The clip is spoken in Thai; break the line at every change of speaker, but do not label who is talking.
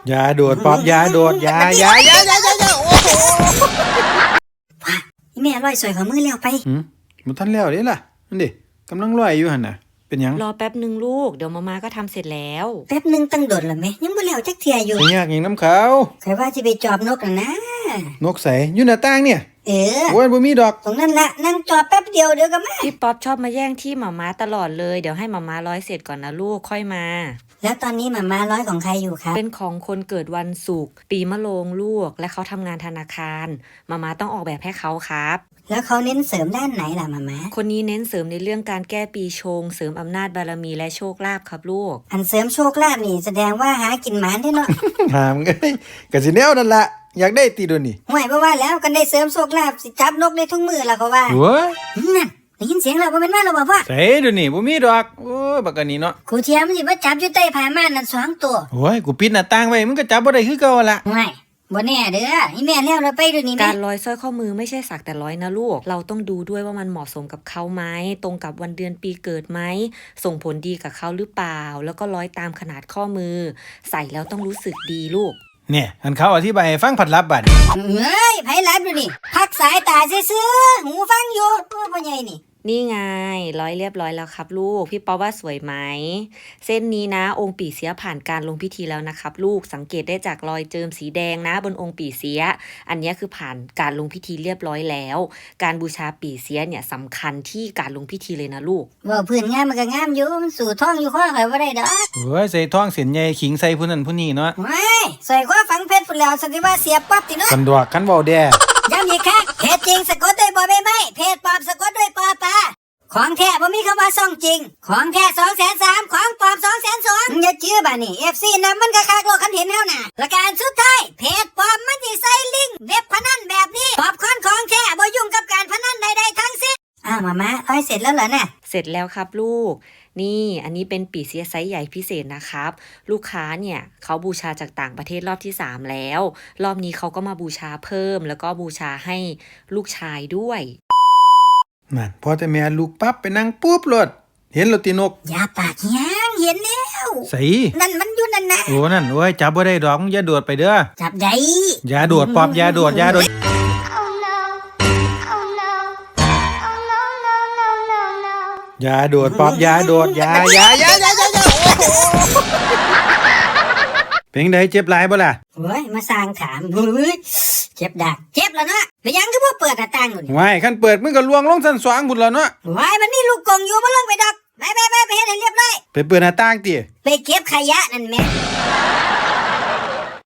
อย่าโดดป๊อบอย่าโดดอย่าโอ้โห
แม่ร้อยสวยของมือแล้วไป
มันทันแล้วเด้ล่ะนั่นดิกำลังลอยอยู่หั่นน่ะเป็นหยัง
รอแป๊บหนึ่งลูกเดี๋ยวมาก็ทำเสร็จแล้ว
แป๊บนึงตั้งโดดละแม่ยังบ่แล้วจักเที่ยอยู่
เป็นยากหยังน้ำเขา
ใครว่าสิไปจอบนกนะ
นกใสอยู่หน้าต่างเนี่ยโอ้ยบ่มีดอก
ตรงนั้นละนั่งจอบแป๊บเดียวเดี๋ยวก็มา
พี่ป๊อปชอบมาแย่งที่มาตลอดเลยเดี๋ยวให้มาร้อยเสร็จก่อนนะลูกค่อยมา
แล้วตอนนี้มาร้อยของใครอยู่ครับ
เป็นของคนเกิดวันศุกร์ปีมะโรงลูกและเขาทำงานธนาคารมาต้องออกแบบให้เขาครับ
แล้วเขาเน้นเสริมด้านไหนล่ะมา
คนนี้เน้นเสริมในเรื่องการแก้ปีชงเสริมอำนาจบารมีและโชคลาภครับลูก
อันเสริมโชคลาภนี่แสดงว่าหากินหมานได้เนาะ
หามไงก็สิแนวนั่นล่ะอยากได้ตีโดนนี่
ห่วยบ่ว่าแล้วกันได้เสริมโชคลาภสิจับนกได้ทุกมื้อล่ะเขาว่า
โอ้ย
นั่นได้ยินเสียงแล้วบ่แม่นว่าเราบ่พ่อ
ใส่โดนนี่บ่มีดอกโอ้ยบักอันนี้เนาะ
ครูเทียมมันสิมาจับอยู่ใต้ผ้าม่านนั่น2ตัว
โอ้ยกูปิดหน้าต่างไว้มึงก็จับบ่ได้คือเก่าล่ะ
ห่วยบ่แน่เด้ออีแม่แล้วเราไปดูนี่
การร้อยสร้อยข้อมือไม่ใช่สักแต่ร้อยนะลูกเราต้องดูด้วยว่ามันเหมาะสมกับเขาไหมตรงกับวันเดือนปีเกิดไหมส่งผลดีกับเขาหรือเปล่าแล้วก็ร้อยตามขนาดข้อมือใส่แล้วต้องรู้สึกดีลูก
เนี่ยอันเขาอธิบายให้ฟังผัดลับบัด
เฮ้ยไผลับดูนี่พักสายตาซื่อๆหูฟังอยู่พ่อใหญ่
นี่ไงร้อยเรียบร้อยแล้วครับลูกพี่ป๊อปว่าสวยไหมเส้นนี้นะองค์ปี่เสียผ่านการลงพิธีแล้วนะครับลูกสังเกตได้จากรอยเจิมสีแดงนะบนองค์ปี่เสียอันนี้คือผ่านการลงพิธีเรียบร้อยแล้วการบูชาปี่เสียเนี่ยสำคัญที่การลงพิธีเลยนะลูก
ว่าพื้นงามมันก็งามอยู่มันสู่ท้องอยู่ข้อใครว่าได้ดอก
เฮ้ยใส่ท้องเสียนใหญ่ขิงใส่ผู้นั้นผู้นี้เนาะ
ไม่ใส่ข้อฝังเพชรฝุ่นแล้วสันติว่าเสียปั๊บติเนาะ
กันดอกกันเบาแด่
ย้ำอีกครั้งเพจจริงสะกดด้วยบอใบไม้เพจปลอมสะกดด้วยปอปลาของแท้บ่มีคำว่าซ่องจริงของแท้230,000ของปลอม220,000อย่าเชื่อบ้านี่ FC นำมันก็คักโลกคันเห็นเฮาน่ะและการสุดท้ายเพจปลอมมันสิใส่ลิงก์เว็บพนันแบบนี้ปอบคอนของแท้บ่ยุ่งกับการพนันใดๆทั้งสิ้นมาร้อยเสร็จแล้วเหรอน่ะ
เสร็จแล้วครับลูกนี่อันนี้เป็นปี่เสียไซส์ใหญ่พิเศษนะครับลูกค้าเนี่ยเขาบูชาจากต่างประเทศรอบที่3แล้วรอบนี้เขาก็มาบูชาเพิ่มแล้วก็บูชาให้ลูกชายด้วย
นั่นพอแต่แม่ลูกปั๊บไปนั่งปุ๊บรถเห็นรถตีนก
อย่าปากยังเห็นแล้ว
ใส่
นั่นมันอยู่นั่นนะ
โอ้นั่นโอ้ยจับบ่ได้ดอกอย่าโดดไปเด้อ
จับได้
อย่าโดดป๊อบอย่าโดดอย่าโดดอย่าโดดป๊อบอย่าโดดอย่าโอ้โหเป็นไดเจ็บหลายบ่ล่ะ
เฮ้ยมาสร้างถามเฮ้ยเจ็บดักเจ็บแล้วเนาะไปยังก็บ่เปิดหน้าต่างนู่น
ว้ายคันเปิดมึงก็ลวงลงชั้น2พุ่นแล้วเนาะ
ว้ายมันมีลูกกงอยู่บ่ลงไปดอกไปเฮ็ดให้เรียบร้อย
ไปเปิดหน้าต่างติ
ไปเก็บขยะนั่นแม่